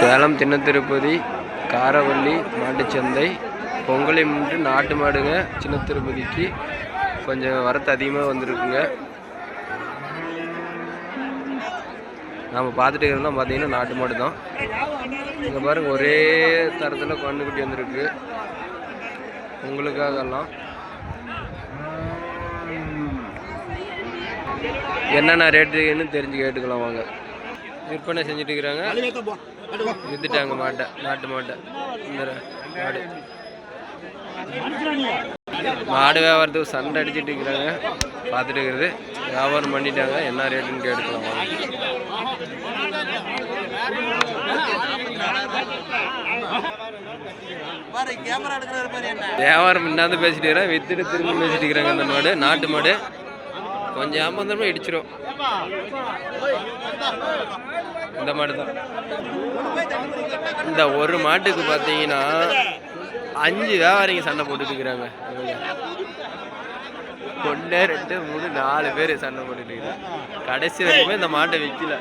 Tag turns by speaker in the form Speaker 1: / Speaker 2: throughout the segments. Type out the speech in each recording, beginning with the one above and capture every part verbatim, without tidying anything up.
Speaker 1: சேலம் சின்ன திருப்பதி காரவள்ளி மாட்டுச்சந்தை பொங்கலை முன்னிட்டு நாட்டு மாடுங்க சின்ன திருப்பதிக்கு கொஞ்சம் வரத்து அதிகமாக வந்திருக்குங்க. நம்ம பார்த்துட்டு இருக்கிறதெல்லாம் பார்த்தீங்கன்னா நாட்டு மாடு தான். இங்கே பாருங்க ஒரே தரத்தில் கண்ணுக்குட்டி வந்திருக்கு உங்களுக்காகலாம். என்னென்ன ரேட்டுன்னு தெரிஞ்சு கேட்டுக்கலாம் வாங்க. விற்பனை செஞ்சுட்டு இருக்கிறாங்க, வித்துட்டாங்க மாட்டை, நாட்டு மாட்டை. இந்த மாடு மாடு வியாபாரத்துக்கு சண்டை அடிச்சுட்டு இருக்கிறாங்க, பார்த்துட்டு இருக்கிறது. வியாபாரம் பண்ணிட்டாங்க, என்ன ரேட்டுன்னு கேட்டுக்கலாம் வாங்க. வியாபாரம் இன்னாந்து பேசிட்டு இருக்கிறேன், வித்துட்டு திரும்ப பேசிட்டு இருக்கிறாங்க. அந்த மாடு நாட்டு மாடு கொஞ்சம் ஏமாந்தமா இடிச்சிரும். இந்த மாடு தான். இந்த ஒரு மாட்டுக்கு பார்த்தீங்கன்னா அஞ்சு வியாபாரிங்க சண்டை போட்டுட்டு இருக்கிறாங்க. ஒன்று ரெண்டு மூணு நாலு பேர் சண்டை போட்டுட்டு இருக்கிறாங்க. கடைசி வரைக்குமே இந்த மாட்டை விற்கல.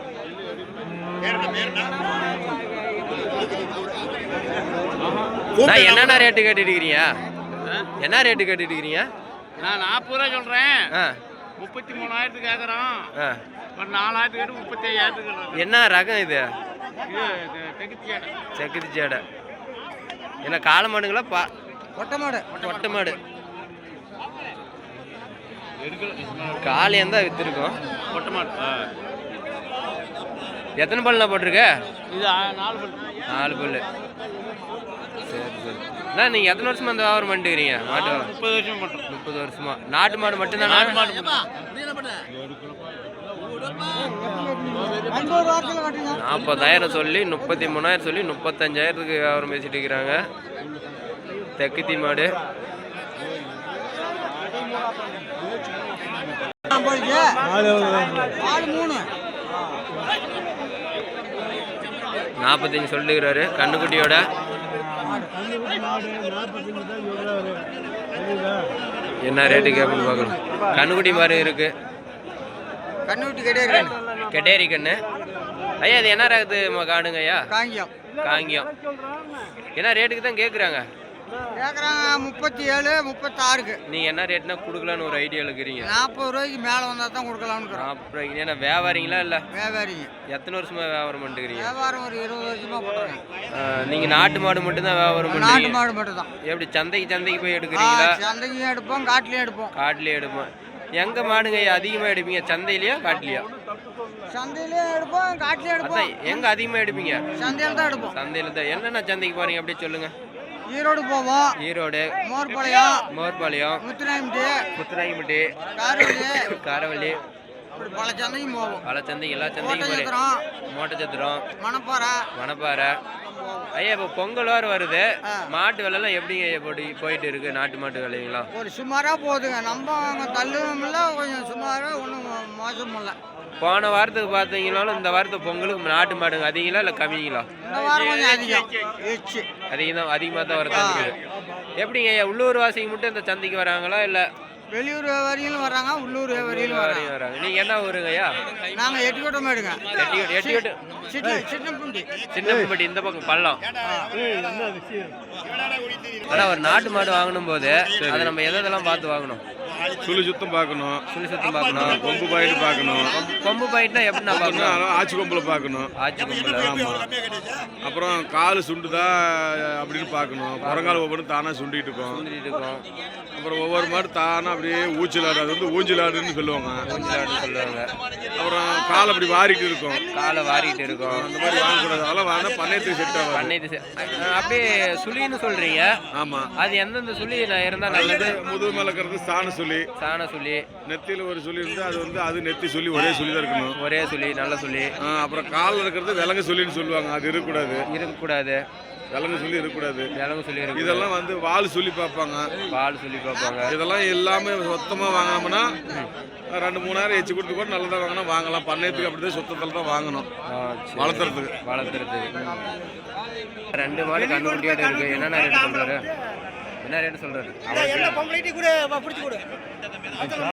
Speaker 1: நான் என்னென்ன ரேட்டு கேட்டுட்டு இருக்கிறீங்க? என்ன ரேட்டு கேட்டுட்டு இருக்கிறீங்க?
Speaker 2: நான் நாற்பது ரூபா சொல்றேன். முப்பத்தி மூணாயிரத்துக்கு கேட்குறோம். ஒரு நாலாயிரத்து கேட்டு முப்பத்தி ஐயாயிரத்துக்கு.
Speaker 1: என்ன ரகம் இது?
Speaker 2: செக்குத்தி
Speaker 1: சேடை. என்ன காளை மாடுங்களா? பா
Speaker 2: ஒட்டை மாடு.
Speaker 1: ஒட்டை மாடு காலையும் தான் வித்துருக்கோம்.
Speaker 2: ஒட்டை மாடு
Speaker 1: எத்தனை பல்ல போட்டிருக்க?
Speaker 2: இது நாலு பல்.
Speaker 1: நாலு பல். சரி சரி. அண்ணா நீங்கள் எத்தனை வருஷமா அந்த வியாபாரம் பண்ணிட்டுக்கிறீங்க? மாட்டு
Speaker 2: முப்பது வருஷம் மட்டும்.
Speaker 1: முப்பது வருஷமா நாட்டு மாடு மட்டும்தான்? நாட்டு மாடு நாற்பதாயிரம் சொல்லி முப்பத்தி மூணாயிரம் சொல்லி முப்பத்தஞ்சாயிரத்துக்கு வியாபாரம் பேசிட்டு இருக்கிறாங்க. தெக்குத்தி மாடு நாற்பத்தஞ்சு சொல்லிக்கிறாரு. கண்ணுக்குட்டியோட என்ன ரேட்டு கேட்பு பார்க்கணும். கண்ணுக்குட்டி மாதிரி இருக்கு.
Speaker 2: கண்ணுக்குட்டி கெடேரி
Speaker 1: கெடேரி கண்ணு. ஐயா அது என்ன ரகத்து காடுங்க ஐயா?
Speaker 2: காங்கியம்.
Speaker 1: காங்கியம். என்ன ரேட்டுக்கு தான் கேட்குறாங்க?
Speaker 2: கேட்குறாங்க முப்பத்தி ஏழு முப்பத்தாறுக்கு.
Speaker 1: நீங்கள் என்ன ரேட்னா கொடுக்கலான்னு ஒரு ஐடியா இருக்கிறீங்க?
Speaker 2: நாற்பது ரூபாய்க்கு மேலே வந்தால் தான் கொடுக்கலான்னு.
Speaker 1: நாற்பது ரூபாய்க்கு. ஏன்னா வியாபாரிங்களா இல்லை?
Speaker 2: வியாபாரிங்க.
Speaker 1: எத்தனை வருஷமா வியாபாரம் பண்ணிட்டுக்கிறீங்க?
Speaker 2: வியாபாரம் ஒரு இருபது வருஷமா பண்ணுறேன்.
Speaker 1: நீங்கள் நாட்டு மாடு மட்டும்தான் வியாபாரம் பண்ணுறீங்க?
Speaker 2: நாட்டு மாடு மட்டும் தான்.
Speaker 1: எப்படி சந்தைக்கு சந்தைக்கு போய் எடுக்கிறீங்களா?
Speaker 2: சந்தைக்கும் எடுப்போம், காட்டிலையும் எடுப்போம்.
Speaker 1: காட்டிலையும் எடுப்போம். எங்கே மாடுங்க அதிகமாக எடுப்பீங்க? சந்தையிலையா காட்டிலையா?
Speaker 2: சந்தையிலையும் எடுப்போம், காட்டிலையும் எடுப்போம்.
Speaker 1: எங்கே அதிகமாக எடுப்பீங்க?
Speaker 2: சந்தையில் தான் எடுப்போம்.
Speaker 1: சந்தையில் தான். என்னென்ன சந்தைக்கு போகிறீங்க அப்படியே சொல்லுங்கள்.
Speaker 2: ஈரோடு போவோம்.
Speaker 1: ஈரோடு,
Speaker 2: மோர்பாளையம்,
Speaker 1: மோர்பாளையம்,
Speaker 2: முத்துராயம்பட்டி,
Speaker 1: முத்துராயம்பட்டி,
Speaker 2: காரவள்ளி,
Speaker 1: காரவள்ளி,
Speaker 2: பல சந்தைக்கும் போவோம்.
Speaker 1: பல சந்தைக்கு எல்லா சந்தைக்கும் போகிறோம். மோட்டச்சத்திரம்,
Speaker 2: மணப்பாறை,
Speaker 1: மணப்பாறை. ஐயா இப்போ பொங்கல் வார வருது, மாட்டு விலைலாம் எப்படிங்க போட்டு போயிட்டு இருக்கு? நாட்டு மாட்டு விலைங்களா?
Speaker 2: ஒரு சுமாராக போகுதுங்க. நம்ம அங்கே தள்ளுவும் இல்லை, கொஞ்சம் சுமாராக ஒன்றும் மோசமும் இல்லை.
Speaker 1: போன வாரத்துக்கு பார்த்தீங்கன்னாலும் இந்த வாரத்துக்கு பொங்கலுக்கு நாட்டு மாடுங்க அதிகங்களா இல்லை கம்மிங்களா?
Speaker 2: இந்த வாரம் கொஞ்சம் அதிகம்.
Speaker 1: அதிகம் தான், அதிகமாக தான் வரதான் இருக்குது. எப்படிங்க ஐயா உள்ளூர் வாசிக்கு மட்டும் இந்த சந்தைக்கு வராங்களா இல்லை
Speaker 2: வெளியூர் வியாபாரிகளும் வராங்க, உள்ளூர் வியாபாரிகளும் வராங்க?
Speaker 1: நீங்கள் என்ன ஊருங்க ஐயா?
Speaker 2: நாங்கள் எட்டுக்கோட்டை மேடுங்க.
Speaker 1: எட்டிக்கோட்டை. எட்டிக்கோட்டை
Speaker 2: சின்னப்பட்டி.
Speaker 1: சின்னப்பட்டி இந்த பக்கம் பள்ளம். ஆனால் ஒரு நாட்டு மாடு வாங்கணும் போது அதை நம்ம எதெல்லாம் பார்த்து வாங்கணும்?
Speaker 3: சுழி சுத்தம் பார்க்கணும்,
Speaker 1: சுழி சுத்தம் பார்க்கணும்,
Speaker 3: கொம்பு பாயிட்டு பார்க்கணும்.
Speaker 1: கொம்பு பாயிட்னா எப்படின்னா பார்க்கணும்?
Speaker 3: ஆச்சி கொம்பில் பார்க்கணும்.
Speaker 1: ஆச்சி கொம்பில்.
Speaker 3: ஆமாம். அப்புறம் கால் சுண்டுதா அப்படின்னு பார்க்கணும். புறங்கால் ஒவ்வொரு தானாக சுண்டிட்டு இருக்கும்.
Speaker 1: சுண்டிட்டு இருக்கும்.
Speaker 3: அப்புறம் ஒவ்வொரு மாடு தானாக அப்படியே ஊஞ்சலாடு, அது வந்து ஊஞ்சலாடுன்னு சொல்லுவாங்க.
Speaker 1: ஊஞ்சலாடுன்னு சொல்லுவாங்க.
Speaker 3: அப்புறம் கால் அப்படி வாரிட்டு இருக்கும்.
Speaker 1: காலை வாரிட்டு இருக்கும்.
Speaker 3: அந்த மாதிரி வாங்கக்கூடாது. அதெல்லாம் வாங்கினா பண்ணையத்துக்கு செட் ஆகும்.
Speaker 1: பண்ணையத்து அப்படியே சுழின்னு சொல்றீங்க.
Speaker 3: ஆமாம். அது
Speaker 1: எந்தெந்த சுழி இருந்தால் நல்லது?
Speaker 3: முதுகு மேலே இருக்கிறது சாண சுழி.
Speaker 1: சாண சுழி.
Speaker 3: நெத்தியில் ஒரு சுழி இருந்து அது வந்து அது நெத்தி சுழி ஒரே சுழி தான் இருக்கணும்.
Speaker 1: ஒரே சுழி, நல்ல சுழி.
Speaker 3: அப்புறம் காலில் இருக்கிறது விலங்கு சுழின்னு சொல்லுவாங்க, அது இருக்கக்கூடாது.
Speaker 1: இருக்கக்கூடாது.
Speaker 3: விலங்கு சொல்லி இருக்கக்கூடாது.
Speaker 1: விலங்கு சொல்லி இருக்கு.
Speaker 3: இதெல்லாம் வந்து வால் சொல்லி பார்ப்பாங்க.
Speaker 1: வால் சொல்லி பார்ப்பாங்க.
Speaker 3: இதெல்லாம் எல்லாமே சொத்தமாக வாங்கினோம்னா ரெண்டு மூணாயிரம் எச்சு கொடுத்து கூட நல்லதாக வாங்கினா வாங்கலாம். பண்ணையத்துக்கு அப்படிதான் சுத்தத்தில் தான் வாங்கணும், வளர்த்துறதுக்கு.
Speaker 1: வளர்த்துறதுக்கு ரெண்டு மாடு கண்ணுக்குட்டியோட இருக்கு. என்னென்ன ரேட் சொல்றாரு? என்ன ரேட் சொல்றாரு?